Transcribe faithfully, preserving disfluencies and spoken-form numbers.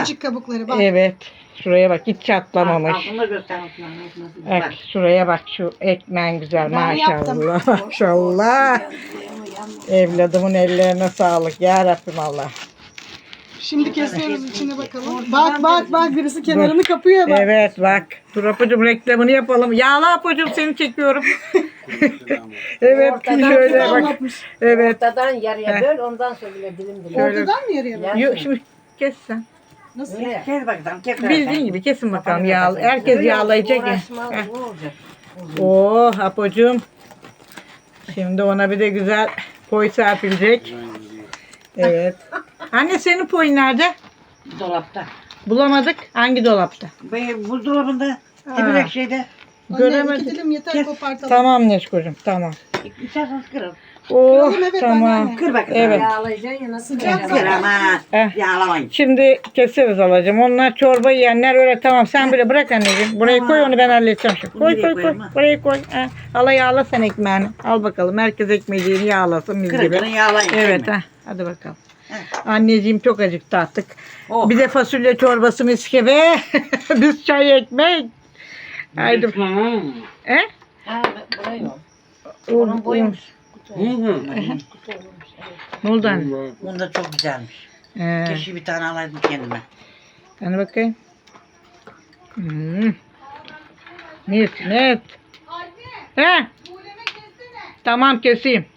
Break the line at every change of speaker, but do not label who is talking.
Küçücük kabukları bak.
Evet. Şuraya bak hiç çatlamamış.
Altında göster. altında nasıl-
Bak
Bak.
şuraya bak şu ekmeğin güzel
Ben yaptım.
maşallah. Maşallah. Evladımın ellerine sağlık. Ya Rabbim Allah.
Şimdi kesiyoruz içine bakalım. Bak bak bak birisi kenarını kapıyor bak.
Evet bak. Dur Apocuğum reklamını yapalım. Yağla Apocuğum seni çekiyorum. Evet
Ortadan
şöyle bak.
Anlatmış.
Evet.
Ortadan yarıya
Heh.
böl, ondan sonra bile dilim dilim.
Şöyle-
Ortadan mı yarıya bak?
Yok şimdi kes sen.
Nasıl?
Öyle.
Kes bakalım. Kes
Bildiğin gibi kesin bakalım
Kafanı
yağ.
kapatsın.
Herkes
Öyle
yağlayacak ya.
uğraşma,
Heh.
ne olacak?
Oh Apocuğum. Şimdi ona bir de güzel poy serpilecek. Evet. Anne senin poyun nerede?
Dolapta.
Bulamadık. Hangi dolapta?
Benim buzdolabında.
Ha.
Tepelek şeyde.
Anne iki
Göremedim.
dilim yeter
Kes.
kopartalım.
Tamam Neşkocuğum tamam.
İçerseniz kırın.
Oh
Kıralım, evet,
tamam.
anneanne.
Kır bakalım.
Evet.
Yağlayacaksın ya nasıl
Sıcak
yağlayacaksın?
Kır ama.
Eh.
Yağlamayın.
Şimdi keseriz alacağım. Onlar çorba yiyenler öyle tamam. Sen bile bırak anneciğim. Buraya koy onu ben halledeceğim şimdi.
Bunu
Koy
nereye
koy koy.
koyayım ha?
Buraya koy. Ha. Hala yağla sen ekmeğini. Al bakalım. Herkes ekmeğini yağlasın biz
Kırın
gibi.
kırın yağlayın.
Evet
Kırın.
ha. Hadi bakalım.
Heh.
Anneciğim çok acıktı artık.
Oh.
Bir de fasulye çorbası miskebe. Biz çay ekmek. Haydi. He?
Ha, burayı mı?
Un,
Onun
un.
boyumuş.
Hı hı.
Ne oldu anne?
Bunda çok güzelmiş.
He.
Keşke bir tane alaydım kendime.
Hani bakayım. Hmm. Net net. He? Tamam keseyim.